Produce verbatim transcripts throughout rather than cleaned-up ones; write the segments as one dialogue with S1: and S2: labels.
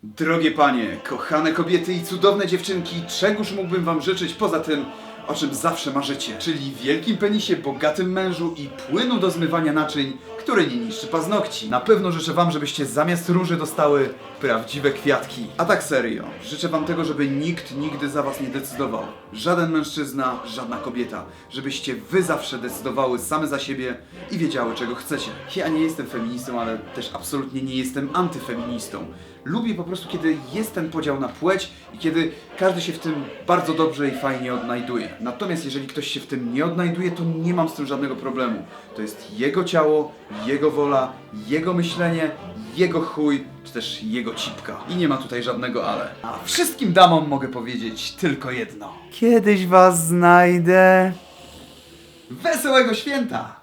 S1: Drogie panie, kochane kobiety i cudowne dziewczynki, czegoż mógłbym wam życzyć poza tym, o czym zawsze marzycie, czyli wielkim penisie, bogatym mężu i płynu do zmywania naczyń, który nie niszczy paznokci. Na pewno życzę wam, żebyście zamiast róży dostały prawdziwe kwiatki. A tak serio, życzę wam tego, żeby nikt nigdy za was nie decydował. Żaden mężczyzna, żadna kobieta. Żebyście wy zawsze decydowały same za siebie i wiedziały, czego chcecie. Ja nie jestem feministą, ale też absolutnie nie jestem antyfeministą. Lubię po prostu, kiedy jest ten podział na płeć i kiedy każdy się w tym bardzo dobrze i fajnie odnajduje. Natomiast jeżeli ktoś się w tym nie odnajduje, to nie mam z tym żadnego problemu. To jest jego ciało, jego wola, jego myślenie, jego chuj, czy też jego cipka. I nie ma tutaj żadnego ale. A wszystkim damom mogę powiedzieć tylko jedno. Kiedyś was znajdę. Wesołego święta!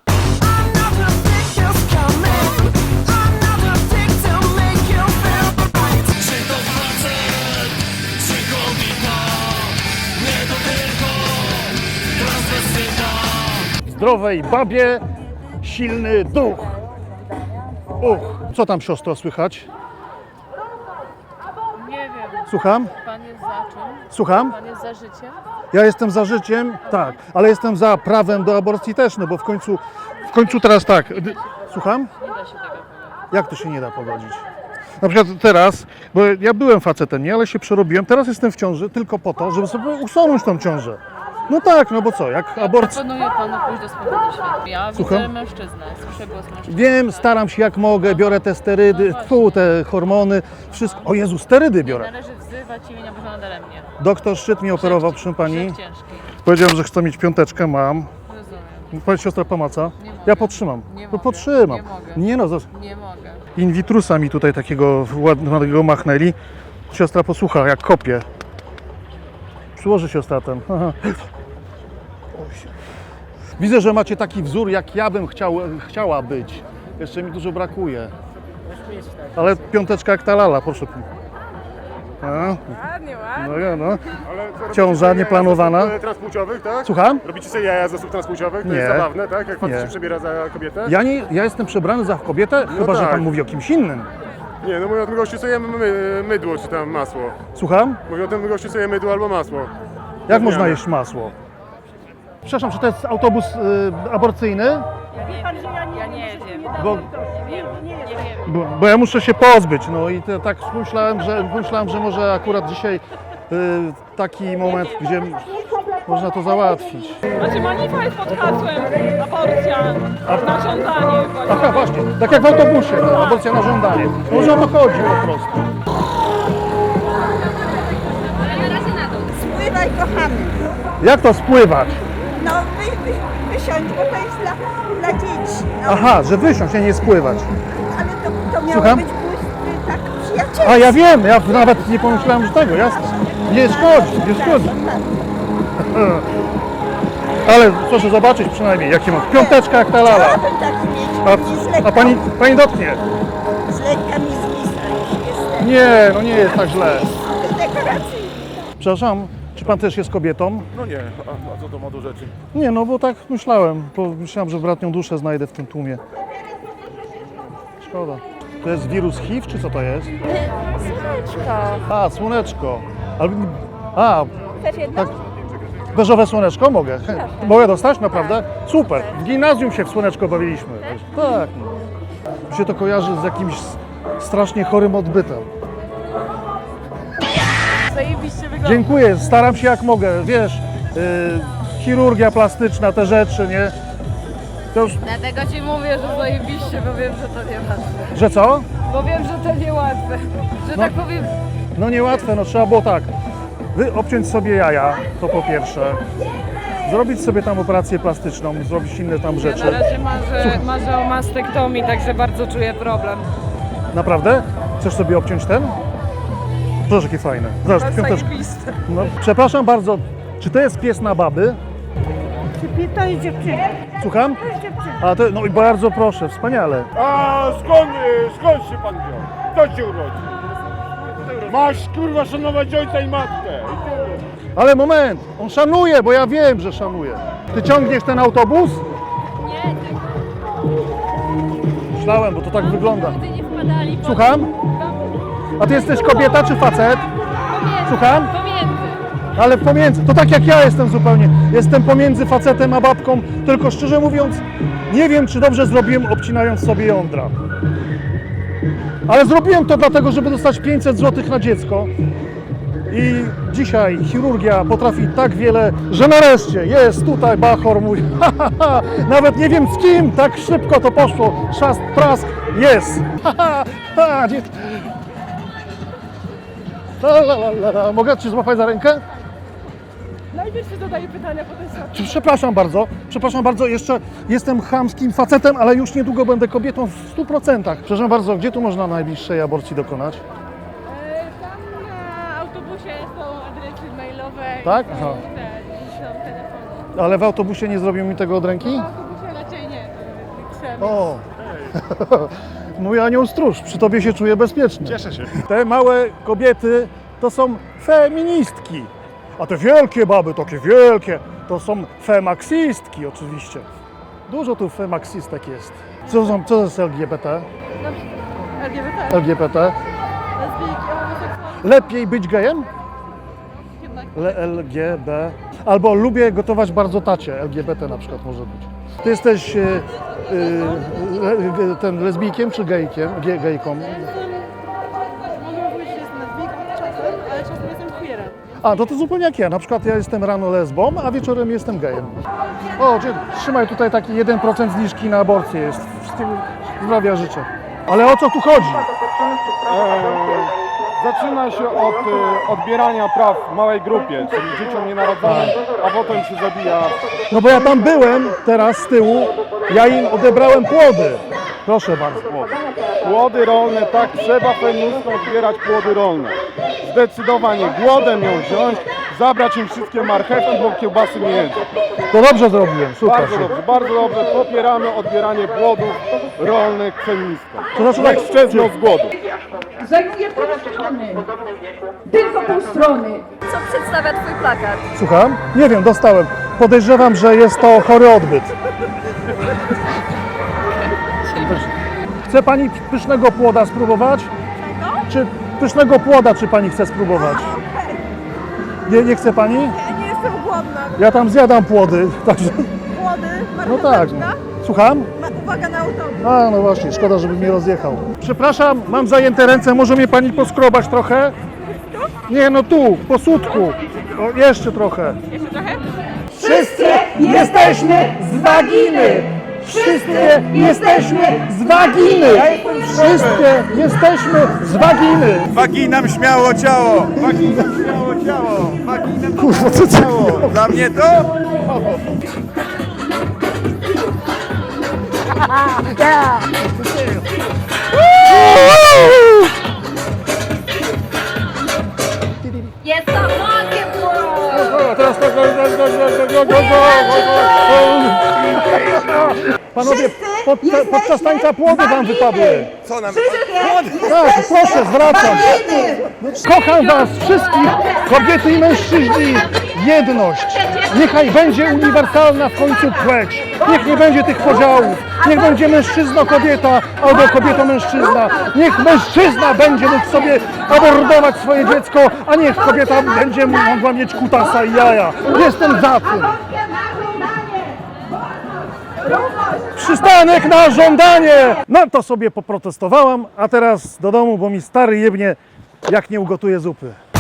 S2: Zdrowej babie, silny duch. Uch. Co tam, siostro, słychać?
S3: Nie wiem.
S2: Słucham?
S3: Pan jest za czym?
S2: Słucham?
S3: Pan jest za życiem?
S2: Ja jestem za życiem, tak, ale jestem za prawem do aborcji też, no bo w końcu, w końcu teraz tak. d- Słucham?
S3: Nie da się tego powiedzieć.
S2: Jak to się nie da pogodzić? Na przykład teraz, bo ja byłem facetem, nie, ale się przerobiłem, teraz jestem w ciąży tylko po to, żeby sobie usunąć tą ciążę. No tak, no bo co, jak aborcja...
S3: Proponuję panu pójść do swobody świata. Ja
S2: Słucham?
S3: widzę mężczyznę, słyszę głos mężczyzny.
S2: Wiem, staram się jak mogę, biorę te sterydy, fu, te hormony, wszystko. O Jezu, sterydy
S3: Nie
S2: biorę.
S3: należy wzywać imienia Bożona daremnie.
S2: Doktor Szczyt mnie operował, proszę pani.
S3: Grzech ciężki.
S2: Powiedziałem, że chcę mieć piąteczkę, mam.
S3: Rozumiem.
S2: Powiedz, siostra pomaca.
S3: Nie mogę.
S2: Ja podtrzymam.
S3: Nie
S2: To
S3: mogę.
S2: podtrzymam.
S3: Nie mogę.
S2: Nie no, zas-
S3: Nie mogę.
S2: in vitrusa mi tutaj takiego ładnego machnęli. Siostra posłucha, jak kopie. Przyłoży siostra ten. Aha. Oj. Widzę, że macie taki wzór, jak ja bym chciał, chciała być. Jeszcze mi dużo brakuje. Ale piąteczka jak ta lala, proszę. A,
S3: Ładnie, ładnie.
S2: no ja no.
S4: Ale co, robicie
S2: Ciąża
S4: sobie jaja
S2: nieplanowana.
S4: z osób, e, transpłciowych, tak?
S2: Słucham?
S4: Robicie sobie jaja z osób transpłciowych? To
S2: Nie.
S4: jest zabawne, tak? Jak facet
S2: Nie.
S4: się przebiera za kobietę?
S2: Ja, nie, ja jestem przebrany za kobietę, chyba że
S4: tak.
S2: pan mówi o kimś innym.
S4: Nie, no mówię o tym gościu, co je my, mydło czy tam masło.
S2: Słucham?
S4: Mówię o tym gościu, co je mydło albo masło.
S2: Jak można
S4: Zmiany.
S2: jeść masło? Przepraszam, czy to jest autobus y, aborcyjny?
S3: Ja nie wiem.
S2: Bo,
S3: Nie wiem. Nie wiem.
S2: bo, bo ja muszę się pozbyć, no i te, tak myślałem, że, myślałem, że może akurat dzisiaj y, taki moment, gdzie można to załatwić.
S5: Znaczy manifest jest pod hasłem aborcja na żądanie.
S2: Aha, właśnie, tak jak w autobusie, no, aborcja na żądanie. Może o to chodzi po prostu.
S6: Spływaj, kochany.
S2: Jak to spływać?
S6: No wy, wy, wysiądź, bo to jest dla, dla dzieci. No,
S2: Aha, że wysiąść, a nie spływać.
S6: ale to, to miało
S2: Słucham?
S6: być błysky, tak przyjacielski.
S2: A ja wiem, ja nawet nie pomyślałem, że tego, jasne. Nie szkodzi, nie szkodzi. Ale proszę zobaczyć przynajmniej, jakie mam. Piąteczka jak ta lala.
S6: Chciałabym taki mieć. I z
S2: A,
S6: lekka,
S2: a pani, pani dotknie.
S6: z lekka mi zwisa już jestem.
S2: Nie, no nie jest tak źle.
S6: To dekoracyjne.
S2: Przepraszam, czy pan też jest kobietą?
S4: No nie, a, a co to ma do rzeczy?
S2: Nie, no bo tak myślałem. Bo myślałem, że bratnią duszę znajdę w tym tłumie. Szkoda. To jest wirus H I V, czy co to jest?
S6: Słoneczko.
S2: A, słoneczko. Ale, a,
S6: Chcesz jedno?
S2: tak. Beżowe słoneczko mogę. Chę- Mogę dostać? Naprawdę? Super. W gimnazjum się w słoneczko bawiliśmy. Tak. No. Mi się to kojarzy z jakimś s- strasznie chorym odbytem.
S3: Zajebiście wygląda.
S2: Dziękuję, staram się jak mogę. Wiesz, yy, chirurgia plastyczna, te rzeczy, nie? To już,
S3: Dlatego ci mówię, że zajebiście, bo wiem, że to niełatwe.
S2: że co?
S3: Bo wiem, że to niełatwe. Że
S2: No.
S3: tak powiem,
S2: No niełatwe, no trzeba było tak. Wy obciąć sobie jaja, to po pierwsze. Zrobić sobie tam operację plastyczną, zrobić inne tam
S5: Ja
S2: rzeczy.
S5: na razie marzę, marzę o mastektomii, także bardzo czuję problem.
S2: Naprawdę? Chcesz sobie obciąć ten? Proszę, jakie fajne. Zobacz, piąteczka.
S5: Zajebiste.
S2: No, przepraszam bardzo, czy to jest pies na baby?
S6: To jest dziewczyna.
S2: Słucham? A to, no i bardzo proszę, wspaniale.
S4: A skąd, e, skąd się pan wziął? Kto cię urodził? Masz kurwa szanować ojca i matkę.
S2: Ale moment, on szanuje, bo ja wiem, że szanuje. Ty ciągniesz ten autobus?
S3: nie,
S2: Myślałem, bo to tak wygląda.
S3: nigdy nie wpadali.
S2: Słucham? A ty jesteś kobieta czy facet?
S3: Pomiędzy.
S2: Słucham?
S3: Pomiędzy.
S2: Ale pomiędzy, to tak jak ja jestem zupełnie. Jestem pomiędzy facetem a babką, tylko szczerze mówiąc, nie wiem, czy dobrze zrobiłem, obcinając sobie jądra. Ale zrobiłem to dlatego, żeby dostać pięćset złotych na dziecko. I dzisiaj chirurgia potrafi tak wiele, że nareszcie jest tutaj Bachor mój. Ha, ha, ha. Nawet nie wiem z kim, tak szybko to poszło. Trzask, prask, jest. Ha, ha, ha. Nie. La, la, la, la, la. Mogę Cię złapać za rękę?
S5: Najpierw się zadaje pytania, potem się...
S2: Przepraszam bardzo, przepraszam bardzo, jeszcze jestem chamskim facetem, ale już niedługo będę kobietą w stu procentach. Przepraszam bardzo, gdzie tu można najbliższej aborcji dokonać?
S5: E, Tam na autobusie są adresy mailowe
S2: Tak?
S5: i
S2: Aha.
S5: są, te, i są telefony.
S2: Ale w autobusie nie zrobią mi tego od ręki?
S5: Na autobusie raczej nie, to trzeba
S2: O! Mój anioł stróż, przy tobie się czuję bezpiecznie.
S4: Cieszę się.
S2: Te małe kobiety to są feministki, a te wielkie baby, takie wielkie, to są femaksistki oczywiście. Dużo tu femaksistek jest. Co, są, co to jest L G B T?
S5: L G B T,
S2: L G B T?
S5: lesbijki, homoseksualne,
S2: Lepiej być gejem?
S5: jednak
S2: Le- L G B. Albo lubię gotować bardzo tacie. L G B T na przykład może być. Ty jesteś e, e, le, ten lesbijkiem czy gejkiem? Ge, gejką?
S5: mogę powiedzieć, że jestem lesbijką czasem, ale czasem jestem queerem.
S2: A, to to zupełnie jak ja. Na przykład ja jestem rano lesbą, a wieczorem jestem gejem. O, dzie- trzymaj tutaj taki jeden procent zniżki na aborcję jest. Wszystkiego zdrowia życzę. Ale o co tu chodzi?
S4: Zaczyna się od e, odbierania praw małej grupie, czyli dzieciom nienarodzonym, a potem się zabija.
S2: No bo ja tam byłem teraz z tyłu, ja im odebrałem płody. Proszę bardzo.
S4: Płody rolne, tak, trzeba feministom odbierać płody rolne. Zdecydowanie głodem ją wziąć, zabrać im wszystkie marchewki, bo kiełbasy nie jedzą.
S2: To dobrze zrobiłem, super.
S4: Bardzo dobrze, bardzo dobrze, popieramy odbieranie płodów rolnych feministom.
S2: To znaczy tak,
S4: Niech szczezną z głodu.
S7: Zajmuje pół strony. Tylko pół strony.
S3: Co przedstawia twój plakat?
S2: Słucham? Nie wiem, dostałem. Podejrzewam, że jest to chory odbyt. Chce pani pysznego płoda spróbować? Czy pysznego płoda, czy pani chce spróbować? Nie, nie chce pani?
S6: Ja nie jestem głodna.
S2: Ja tam zjadam płody, także...
S6: Głody,
S2: No tak. Słucham?
S6: Ma uwaga na autobus.
S2: A, no właśnie, szkoda, żeby mnie rozjechał. Przepraszam, mam zajęte ręce, może mnie pani poskrobać trochę? Nie, no tu, po sutku. O, jeszcze trochę.
S5: Jeszcze trochę?
S2: Wszyscy jesteśmy z waginy! Wszystkie jesteśmy z waginy! Wszystkie jesteśmy z waginy!
S1: Waginam śmiało ciało! Waginam śmiało ciało! Waginam
S2: Kurwa, co to
S1: ciało! Dla mnie to?
S3: Jest to Pokémon!
S2: O, teraz tak, go, go, go, go, go, go, go. Panowie, pod, podczas tańca płody wam wypadły.
S1: Co nam?
S2: Tak, proszę, zwracam. Kocham was wszystkich, kobiety i mężczyźni. Jedność. Niechaj będzie uniwersalna w końcu płeć. Niech nie będzie tych podziałów. Niech będzie mężczyzna-kobieta albo kobieta-mężczyzna. Niech mężczyzna będzie mógł sobie abordować swoje dziecko, a niech kobieta będzie mogła mieć kutasa i jaja. Jestem za tym. Przystanek na żądanie! No to sobie poprotestowałam, a teraz do domu, bo mi stary jebnie, jak nie ugotuję zupy.